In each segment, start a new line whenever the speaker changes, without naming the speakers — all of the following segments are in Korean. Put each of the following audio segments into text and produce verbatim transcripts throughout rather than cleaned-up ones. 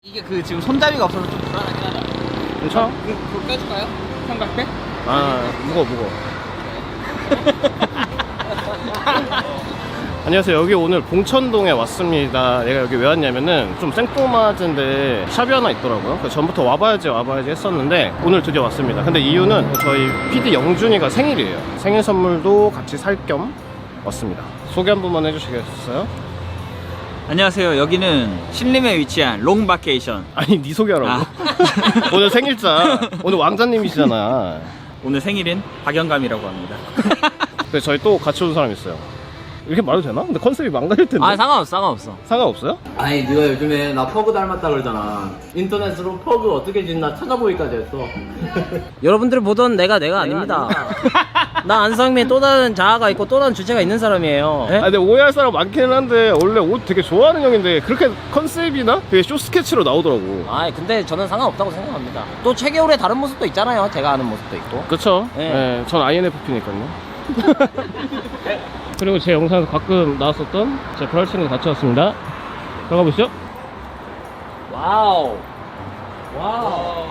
이게 그 지금 손잡이가 없어서 좀 불안하긴 하다.
괜찮아?
그, 그거 껴줄까요? 삼각대?
아, 무거워, 무거워. 안녕하세요. 여기 오늘 봉천동에 왔습니다. 내가 여기 왜 왔냐면은 좀 생뚱맞은데 샵이 하나 있더라고요. 그래서 전부터 와봐야지 와봐야지 했었는데 오늘 드디어 왔습니다. 근데 이유는 저희 피디 영준이가 생일이에요. 생일 선물도 같이 살 겸 왔습니다. 소개 한 번만 해주시겠어요?
안녕하세요. 여기는 신림에 위치한 롱바케이션.
아니, 네 소개하라고.
아.
오늘 생일자. 오늘 왕자님이시잖아.
오늘 생일인 박영감이라고 합니다.
그래서 저희 또 같이 온 사람 있어요. 이렇게 말해도 되나? 근데 컨셉이 망가질 텐데.
아, 상관없어, 상관없어.
상관없어요?
아니 네가 요즘에 나 퍼그 닮았다 그러잖아. 인터넷으로 퍼그 어떻게 짓나 찾아보기까지 했어.
여러분들이 보던 내가 내가 아닙니다. 나 안상민 또 다른 자아가 있고 또 다른 주체가 있는 사람이에요. 네?
아, 근데 오해할 사람 많기는 한데 원래 옷 되게 좋아하는 형인데 그렇게 컨셉이나 되게 쇼 스케치로 나오더라고.
아 근데 저는 상관없다고 생각합니다. 또 최겨울의 다른 모습도 있잖아요. 제가 아는 모습도 있고.
그쵸?
네.
네, 전 아이엔에프피니까요. 그리고 제 영상에서 가끔 나왔었던 제 브랄 친구 같이 왔습니다. 들어가 보시죠.
와우. 와우.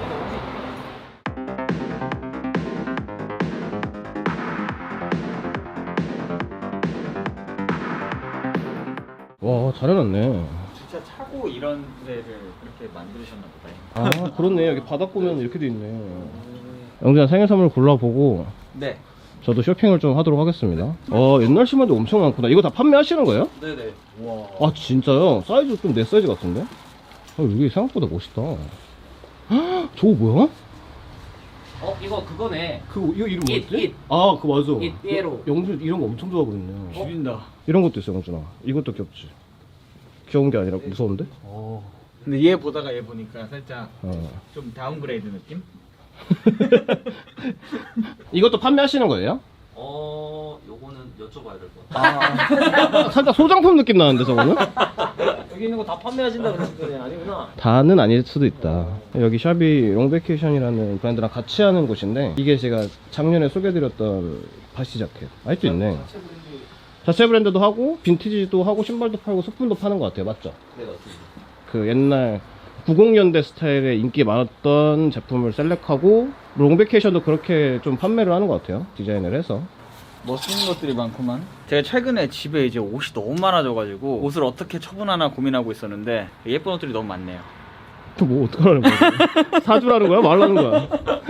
와, 잘 해놨네.
진짜 차고 이런 데를 그렇게 만드셨나 보다.
아, 그렇네. 여기 바닥 보면 이렇게 돼 있네. 영준아, 생일 선물 골라보고
네.
저도 쇼핑을 좀 하도록 하겠습니다. 어, 옛날 신발도 엄청 많구나. 이거 다 판매하시는 거예요?
네네. 와.
아, 진짜요? 사이즈 좀 내 사이즈 같은데? 아, 이게 생각보다 멋있다. 헉, 저거 뭐야?
어 이거 그거네.
그거 이거 이름
잇,
뭐였지?
잇.
아, 그거 맞아.
잇, 삐에로.
영준 이런 거 엄청 좋아하거든요.
죽인다.
이런 것도 있어, 영준아. 이것도 귀엽지. 귀여운 게 아니라 무서운데?
근데 얘 보다가 얘 보니까 살짝
어.
좀 다운그레이드 느낌?
이것도 판매하시는 거예요?
어 요거는 여쭤봐야 될 것 같아.
아, 살짝 소장품 느낌 나는데 저거는?
여기 있는 거 다 판매하신다 그러실 거네. 아니구나.
다는 아닐 수도 있다. 여기 샵이 롱베케이션이라는 브랜드랑 같이 하는 곳인데 이게 제가 작년에 소개해드렸던 바시 자켓. 아직도 있네. 자체 브랜드도 하고 빈티지도 하고 신발도 팔고 소품도 파는 것 같아요. 맞죠?
네 맞습니다.
그 옛날 구십 년대 스타일의 인기 많았던 제품을 셀렉하고 롱베케이션도 그렇게 좀 판매를 하는 것 같아요. 디자인을 해서.
멋있는 것들이 많구만. 제가 최근에 집에 이제 옷이 너무 많아져가지고 옷을 어떻게 처분하나 고민하고 있었는데 예쁜 옷들이 너무 많네요.
또 뭐 어떡하라는 거야? 사주라는 거야? 말라는 거야?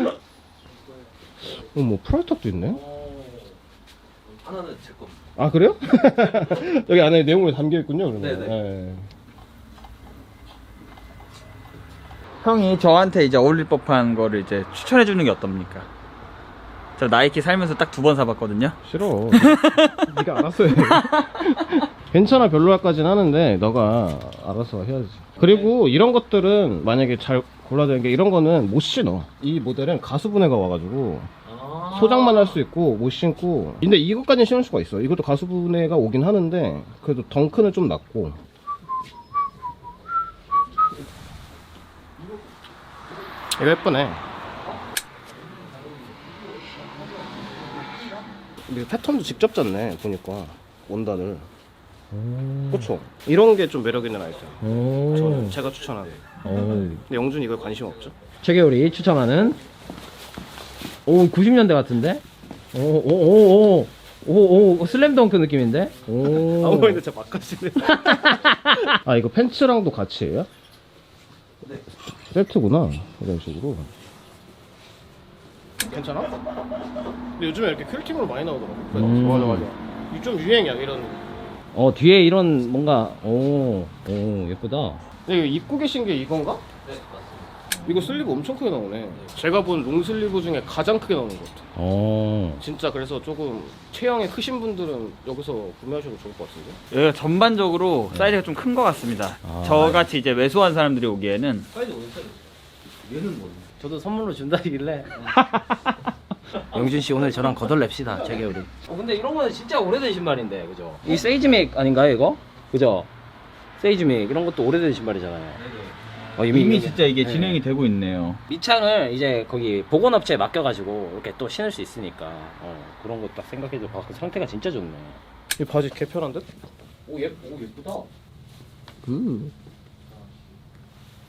어, 뭐 프라이탑도 있네?
하나는 제 겁니다.
아, 그래요? 여기 안에 내용물이 담겨있군요, 그러면.
네네.
네.
형이 저한테 이제 어울릴 법한 거를 이제 추천해주는 게 어떻습니까? 저 나이키 살면서 딱 두 번 사봤거든요.
싫어. 네가 알아서 해. 괜찮아, 별로야까지는 하는데 너가 알아서 해야지. 그리고 이런 것들은 만약에 잘 골라야 되는 게 이런 거는 못 신어. 이 모델은 가수분해가 와가지고 소장만 할 수 있고 못 신고. 근데 이것까지는 신을 수가 있어. 이것도 가수분해가 오긴 하는데 그래도 덩크는 좀 낮고. 이거 예쁘네. 근데 패턴도 직접 짰네, 보니까. 원단을. 그쵸? 이런 게 좀 매력 있는 아이템. 저는 제가 추천하는. 근데 영준 이거 관심 없죠?
최겨울이 추천하는 오 구십 년대 같은데? 오오오오오오 오, 오, 슬램덩크 느낌인데? 오.
아무 말인데 진짜 막가시네. 아, 이거 팬츠랑도 같이 해요? 네. 세트구나. 이런 식으로. 괜찮아? 근데 요즘에 이렇게 퀼팅으로 많이 나오더라고.
음.
맞아, 맞아. 이게 좀 유행이야, 이런.
어 뒤에 이런 뭔가 오, 오 예쁘다.
근데 이거 입고 계신 게 이건가? 네, 맞습니다. 이거 슬리브 엄청 크게 나오네. 제가 본 롱슬리브 중에 가장 크게 나오는 것 같아.
어.
진짜 그래서 조금 체형이 크신 분들은 여기서 구매하셔도 좋을 것 같은데?
여기가 전반적으로 사이즈가 좀 큰 것 같습니다.
아.
저같이 이제 왜소한 사람들이 오기에는
얘는 뭐? 저도 선물로 준다길래. 영준 씨 오늘 저랑 거덜냅시다, 최겨울이. 어 근데 이런 거는 진짜 오래된 신발인데, 그죠? 이 세이즈맥 아닌가요, 이거? 그죠? 세이즈맥 이런 것도 오래된 신발이잖아요. 어,
이미,
이미
진짜 이게
네.
진행이 되고 있네요.
밑창을 이제 거기 보건업체에 맡겨가지고 이렇게 또 신을 수 있으니까 어, 그런 거 딱 생각해도 아, 그 상태가 진짜 좋네.
이 바지 개편한 듯?
오, 예, 오 예쁘다.
음.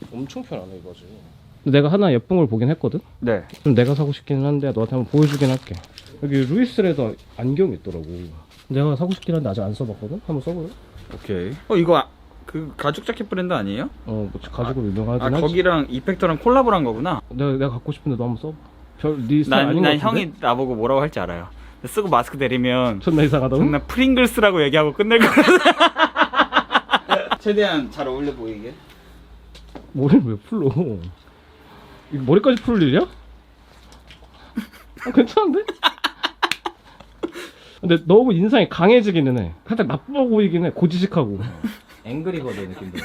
엄청 편하네 이거지. 근데 내가 하나 예쁜 걸 보긴 했거든?
네.
좀 내가 사고 싶기는 한데 너한테 한번 보여주긴 할게. 여기 루이스레더 안경이 있더라고. 내가 사고 싶긴 한데 아직 안 써봤거든? 한번 써볼래?
오케이. 어 이거 아, 그 가죽 자켓 브랜드 아니에요?
어, 뭐 가죽으로 유명하긴
아
하지.
거기랑 이펙터랑 콜라보를 한 거구나.
내가, 내가 갖고 싶은데 너 한번 써봐. 별네 스타일
난,
아닌
난
것 같은데?
형이 나보고 뭐라고 할지 알아요. 쓰고 마스크 내리면
존나 이상하다고?
존나 프링글스라고 얘기하고 끝낼 거거든. 최대한 잘 어울려 보이게.
머리를 왜 풀러? 이거 머리까지 풀 일이야? 아, 괜찮은데? 근데 너무 인상이 강해지기는 해. 살짝 나빠 보이긴 해. 고지식하고.
앵그리버드 느낌도.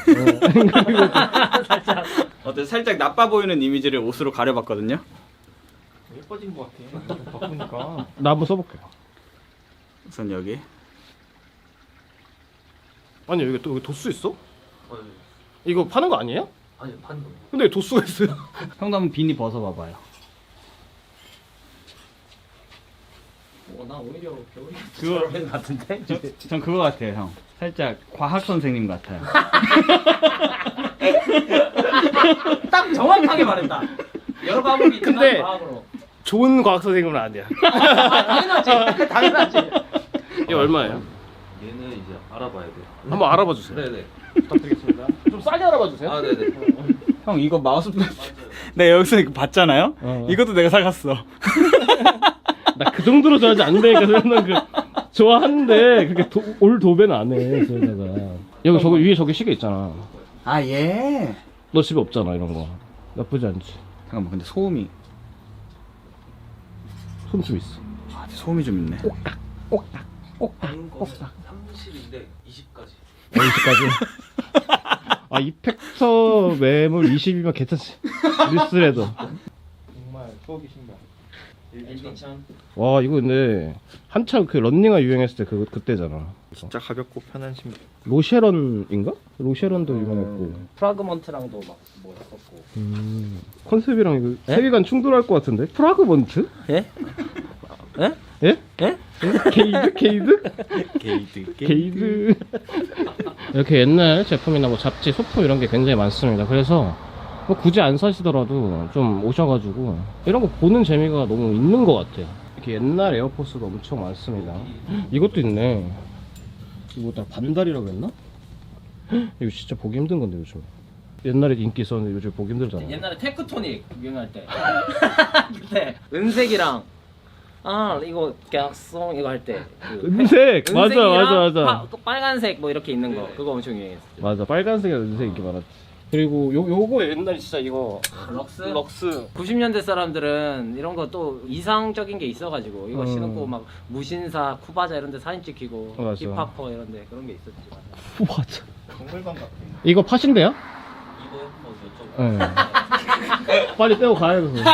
살짝 어때 살짝 나빠 보이는 이미지를 옷으로 가려봤거든요.
예뻐진 것 같아. 바꾸니까.
나 한번 써볼게.
우선 여기.
아니 여기 또 여기 도수 있어? 이거 파는 거 아니에요?
아니 파는 거.
근데 왜 도수가 있어요?
형도 한번 비니 벗어봐봐요.
어, 나 오히려 겨울이
그거
것 같은데?
저, 전 그거 같아요 형. 살짝 과학 선생님 같아요.
딱 정확하게 말했다. 여러 과목이 있지만
근데-
과학으로.
좋은 과학 선생님은 아니야.
당연하지. 당연하지.
이거 얼마예요?
얘는 이제 알아봐야 돼.
한번 알아봐 주세요.
네네.
부탁드리겠습니다. 좀 싸게 알아봐 주세요.
아 네네.
형 이거 마우스패드 내가 여기서 이거 봤잖아요.
어.
이것도 내가 사갔어.
나 그 정도로 좋아하지 않는다니까. 저는 그 좋아하는데 그렇게 도, 올 도배는 안 해. 저기다가 여기 저기 위에 저기 시계 있잖아.
아 예.
너 집에 없잖아 이런 거. 나쁘지 않지.
잠깐만 근데 소음이
손 좀 있어.
아 소음이 좀 있네.
삼십인데 이십까지.
어디까지? 아 이펙터 매물 이십이면 괜찮지. 리스레더.
정말 추억이 신발.
엔디천.
와 이거 근데 한참 그 런닝화 유행했을 때 그 그때잖아.
진짜 가볍고 편한 신발.
로쉐런인가? 로쉐런도 유명했고.
프라그먼트랑도 막 뭐 했었고.
음, 컨셉이랑 이거 세계관 충돌할 것 같은데? 프라그먼트?
예? 예?
예?
예?
게이드? 게이드?
게이드
게이드. 이렇게 옛날 제품이나 뭐 잡지, 소품 이런 게 굉장히 많습니다. 그래서 뭐 굳이 안 사시더라도 좀 오셔가지고 이런 거 보는 재미가 너무 있는 것 같아요. 이렇게 옛날 에어포스도 엄청 많습니다. 이것도 있네. 이거 다 반달이라고 했나? 이거 진짜 보기 힘든 건데 요즘. 옛날에 인기 있었는데 요즘 보기 힘들잖아.
옛날에 테크토닉 유행할 때. 그때 은색이랑 아 이거 객송 이거 할 때. 그
은색! 맞아,
은색이랑
맞아, 맞아.
파- 또 빨간색 뭐 이렇게 있는 거 그거 엄청 유행했어.
맞아, 빨간색이랑 은색 인기 많았지. 그리고 요, 요거 옛날에 진짜 이거
럭스?
럭스.
구십 년대 사람들은 이런 거 또 이상적인 게 있어가지고 이거
음.
신고 막 무신사, 쿠바자 이런 데 사진 찍히고
맞아.
힙합퍼 이런 데 그런 게 있었지.
맞아.
정글방 같아.
이거 팥인데요?
이거 한번 여쭤봐.
네. 빨리 떼고 가야 돼서.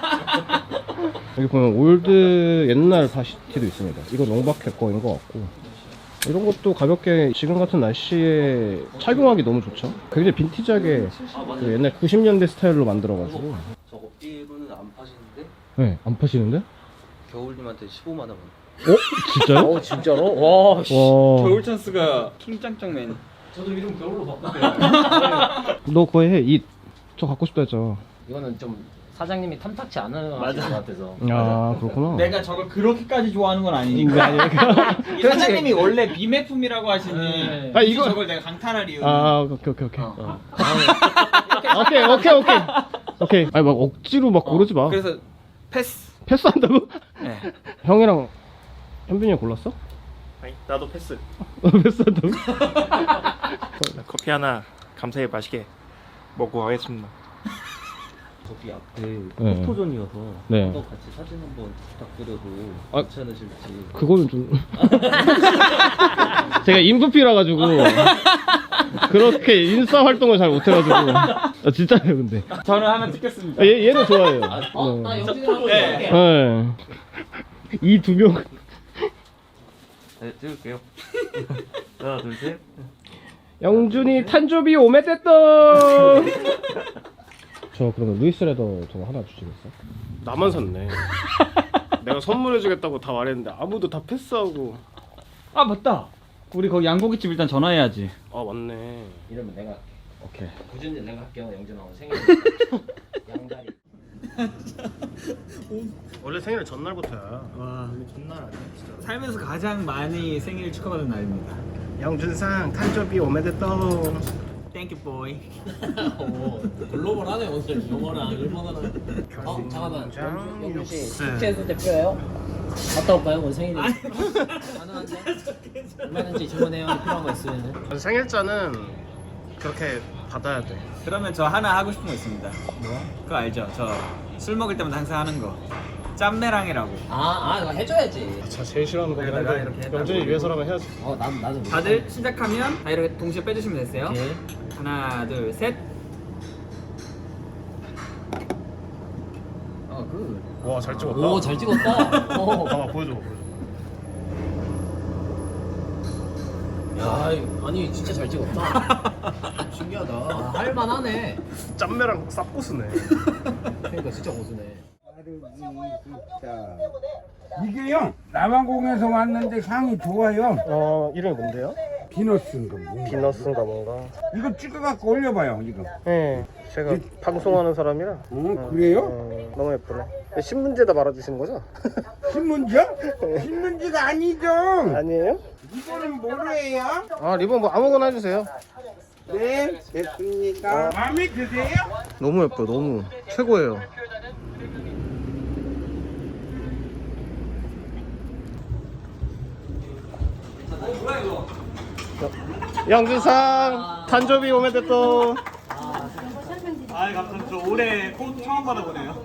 여기 보면 올드 옛날 바시티도 있습니다. 이거 농박회 거인 것 같고. 이런 것도 가볍게 지금 같은 날씨에 착용하기 너무 좋죠. 굉장히 빈티지하게 그 옛날 구십 년대 스타일로 만들어가지고.
저거 삐로는 안 파시는데
네, 안 파시는데?
겨울님한테 십오만 원.
어? 진짜요?
어 진짜로? 와. 씨.
와.
겨울 찬스가 킹짱짱맨.
저도 이름 겨울로 바꿨어요.
너 그거 해. 이, 저 갖고 싶다 했잖아.
이거는 좀 사장님이 탐탁치 않은 것 같아서.
아, 그렇구나.
내가 저걸 그렇게까지 좋아하는 건 아니니까.
인간이니까.
이 사장님이 원래 비매품이라고 하시니
네.
아
아,
이거
이거-
저걸 내가 강탈할 이유는
아, 오케이, 오케이, 오케이.
어.
오케이, 오케이, 오케이. 오케이. 아니, 막 억지로 막 고르지 마.
그래서 패스.
패스한다고?
네.
형이랑 현빈이 형 골랐어?
아니, 나도 패스.
패스한다고?
커피 하나 감사히 맛있게 먹고 가겠습니다.
거기 앞에
네.
포토존이어서
네.
또 같이 사진 한번 부탁드려도
아,
괜찮으실지.
그거는 좀. 제가 인프피라 가지고 그렇게 인싸 활동을 잘 못해가지고. 아, 진짜예요, 근데.
저는 하나 찍겠습니다.
아, 얘, 얘는 좋아해요.
어? 나
네.
영진이랑
네.
네. 이 두 명.
네, 찍을게요. 하나, 둘, 셋.
영준이 탄조비 오메떼떠. 저 그러면 루이스레더 저거 하나 주시겠어? 나만 샀네. 내가 선물해주겠다고 다 말했는데 아무도 다 패스하고.
아 맞다. 우리 거기 양고기집 일단 전화해야지.
아 맞네.
이러면 내가
오케이.
구준이 내가 할게요. 영준아 오늘 생일. 양다리.
원래 생일은 전날부터야.
와, 전날 아니야, 진짜. 살면서 가장 많이 생일 축하받은 날입니다.
영준상 탄저비 오메데또.
땡큐 보이.
오, 글로벌하네 오늘 영어랑 일본어랑. 어 잠깐만. 영준, 영준 씨 숙제해서 대표예요? 갔다 올까요? 오늘 생일이. 가능한데? 얼마든지 주문해요. 필요한 거 있으면.
생일자는 그렇게 받아야 돼.
그러면 저 하나 하고 싶은 거 있습니다. 뭐? 그거 알죠? 저 술 먹을 때마다 항상 하는 거. 짬매랑이라고.
아, 아, 이거 해줘야지.
자, 제일 싫어하는 거긴
내가
한데
이렇게 했다고.
영준이 위해서라면 해야지.
어, 난 나도. 못
다들 시작하면 다 이렇게 동시에 빼주시면 되세요.
오케이.
하나, 둘, 셋. 어, 그.
와, 잘 찍었다.
오, 잘 찍었다. 어.
봐봐, 보여줘, 보여줘.
야, 이거- 아니 진짜 잘 찍었다. 신기하다. 아, 할만하네.
짬매랑 쌉고수네.
그러니까 진짜 고수네.
이게요 남아공에서 왔는데 향이 좋아요.
어, 이름이 뭔데요?
비너스인가 뭐.
비너스인가 뭔가.
이거 찍어갖고 올려봐요 이거.
네, 제가 방송하는 사람이라.
어 그래요?
어, 너무 예쁘네. 신문지에다 말아주시는 거죠?
신문지요? 신문지가 아니죠.
아니에요?
이거는 뭐예요?
아, 리본 뭐 아무거나 해주세요.
네 됐습니다. 마음에 드세요?
너무 예뻐요, 너무. 최고예요. 영준상 탄저비 오메데또.
아, 감사합니다. 저 올해 꽃 처음 받아보네요.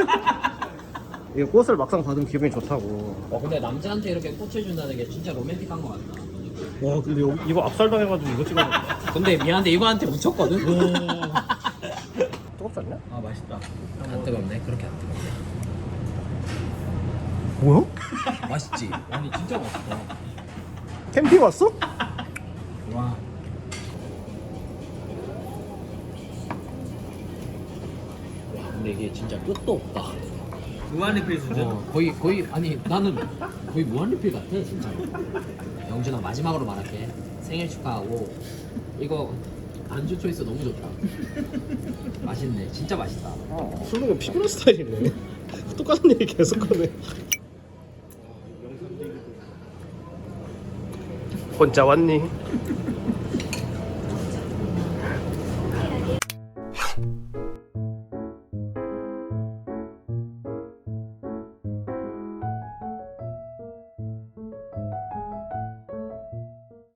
이 꽃을 막상 받으면 기분이 좋다고.
어, 근데 남자한테 이렇게 꽃을 준다는 게 진짜 로맨틱한 것 같다.
와, 근데 여기, 이거 압살당해가지고 이거 찍어놨다.
근데 미안한데 이거한테 묻혔거든.
뜨겁지 않냐?
아 맛있다. 안 뜨겁네. 그렇게 안 뜨겁네.
뭐야?
맛있지. 아니 진짜 맛있다.
캠핑 왔어?
와. 와 근데 이게 진짜 끝도 없다.
무한리필 수준.
어, 거의 거의 아니 나는 거의 무한리필 같아 진짜. 영준아 마지막으로 말할게. 생일 축하하고 이거 안주 초이스 너무 좋다. 맛있네. 진짜 맛있다.
술 먹으면 피곤한 스타일이네. 똑같은 얘기 계속 하네. 혼자 왔니?